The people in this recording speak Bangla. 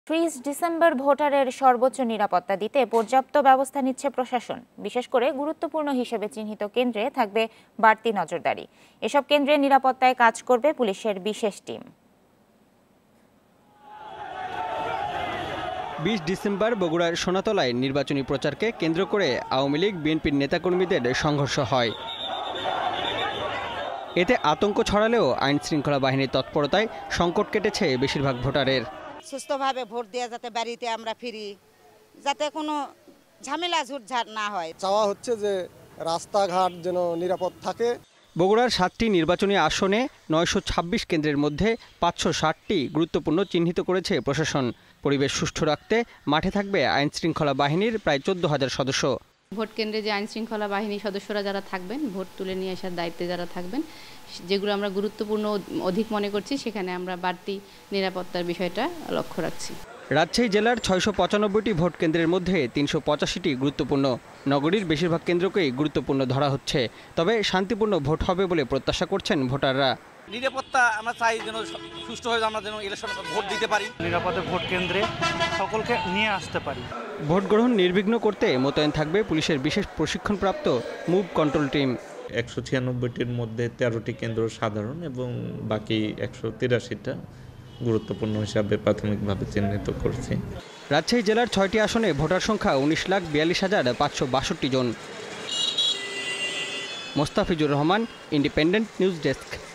30 ডিসেম্বর ভোটারের সর্বোচ্চ নিরাপত্তা দিতে পর্যাপ্ত ব্যবস্থা নিচ্ছে প্রশাসন। বিশেষ করে গুরুত্বপূর্ণ হিসেবে চিহ্নিত কেন্দ্রে থাকবে বাড়তি নজরদারি। এসব কেন্দ্রে নিরাপত্তায় কাজ করবে পুলিশের বিশেষ টিম। 20 ডিসেম্বর বগুড়ার সোনাতলায় নির্বাচনী প্রচারকে কেন্দ্র করে আওয়ামী লীগ বিএনপির নেতাকর্মীদের সংঘর্ষ হয়। এতে আতঙ্ক ছড়ালেও আইন শৃঙ্খলা বাহিনীর তৎপরতায় সংকট কেটেছে বেশিরভাগ ভোটারের। সুস্থভাবে ভোট দিয়ে যাতে বাড়িতে আমরা ফিরি, যাতে কোনো ঝামেলা ঝুটঝাট না হয়। চাওয়া হচ্ছে যে রাস্তাঘাট যেন নিরাপদ থাকে। বগুড়ার 7টি নির্বাচনী আসনে 926 কেন্দ্রের মধ্যে 560টি গুরুত্বপূর্ণ চিহ্নিত করেছে প্রশাসন। পরিবেশ সুষ্ঠু রাখতে মাঠে থাকবে আইন শৃঙ্খলা বাহিনীর প্রায় 14,000 সদস্য। ভোট কেন্দ্রে যে আইন শৃঙ্খলা বাহিনীর সদস্যরা যারা থাকবেন, ভোট তুলে নিয়ে আসার দায়িত্বে যারা থাকবেন, যেগুলো আমরা গুরুত্বপূর্ণ অধিক মনে করছি, সেখানে আমরা বাড়তি নিরাপত্তার বিষয়টা লক্ষ্য রাখছি। রাজশাহী জেলার 695টি ভোট কেন্দ্রের মধ্যে 385টি গুরুত্বপূর্ণ। নগরীর বেশিরভাগ কেন্দ্রকেই গুরুত্বপূর্ণ ধরা হচ্ছে। তবে শান্তিপূর্ণ ভোট হবে বলে প্রত্যাশা করছেন ভোটাররা। নিরাপত্তা আমরা চাই যেন সুষ্ঠু হয়ে আমরা যেন ইলেকশনে ভোট দিতে পারি, নিরাপদে ভোট কেন্দ্রে সকলকে নিয়ে আসতে পারি। ভোট গ্রহণ নির্বিঘ্ন করতে মোতায়েন থাকবে পুলিশের বিশেষ প্রশিক্ষণপ্রাপ্ত মুভ কন্ট্রোল টিম। 196টির মধ্যে 13টি কেন্দ্র সাধারণ এবং বাকি 183টা গুরুত্বপূর্ণ হিসাবে প্রাথমিকভাবে চিহ্নিত করছি। রাজশাহী জেলার 6টি আসনে ভোটার সংখ্যা 19,42,562 জন। Mostafizur Rahman, independent news desk.